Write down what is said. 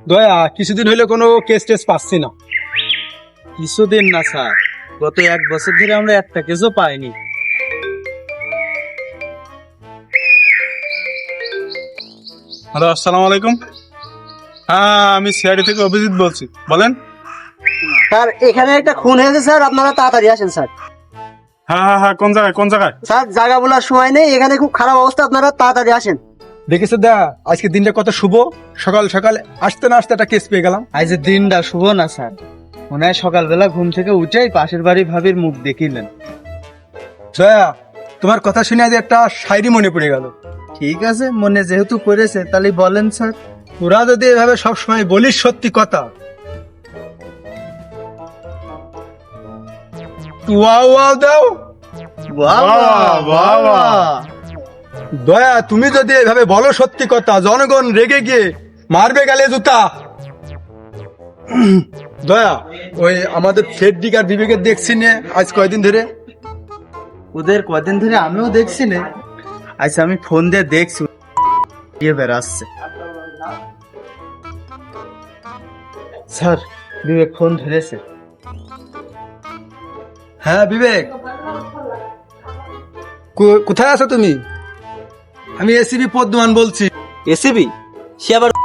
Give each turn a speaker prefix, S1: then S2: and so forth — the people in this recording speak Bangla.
S1: দয়া কিছুদিন হইলে কোনো কেস টেস পাচ্ছি না।
S2: কিছুদিন না স্যার, গত 1 বছর ধরে আমরা একটা কেসও পাইনি।
S3: হ্যালো, আসসালামু আলাইকুম। হ্যাঁ, আমি সিআইডি থেকে অভিজিৎ বলছি, বলেন।
S4: স্যার এখানে একটা খুন হয়েছে স্যার, আপনারা তাড়াতাড়ি আসেন স্যার।
S3: হ্যাঁ হ্যাঁ হ্যাঁ, কোন জায়গায় কোন জায়গায়?
S4: স্যার জায়গা বলার সময় নেই, এখানে খুব খারাপ অবস্থা, আপনারা তাড়াতাড়ি আসেন।
S1: দেখেছো দা, আজকে দিনটা কত শুভ। সকাল সকাল আসতে না আসতে একটা কেস পেয়ে গেলাম।
S2: আজ দিনটা শুভ না স্যার, মনে হয় সকালবেলা ঘুম থেকে উঠেই পাশের বাড়ি ভাবির মুখ দেখিলেন।
S1: দয়া, তোমার কথা শুনে আজ একটা শায়রি মনে পড়ে গেল।
S2: ঠিক আছে, মনে যেহেতু করেছে তাহলে বলেন স্যার।
S1: তোরা যদি এভাবে সবসময় বলিস সত্যি কথা, ওয়াও ওয়াও দাও। দয়া, তুমি যদি এভাবে বলো সত্যি কথা, জনগণ রেগে গিয়ে মারবে গালে জুতা। দয়া, ওই আমাদের ফেডরিক আর বিবেকের দেখছি নে আজ কয়দিন ধরে।
S2: ওদের কদিন ধরে আমিও দেখছি না। আচ্ছা, আমি ফোন দিয়ে দেখছি, গিয়ে বেড়াচ্ছে। স্যার, বিবেক ফোন ধরেছে।
S1: হ্যাঁ বিবেক, কোথায় আছো তুমি? আমি এসিবি পদ্মমান বলছি।
S5: এসিবি? সে আবার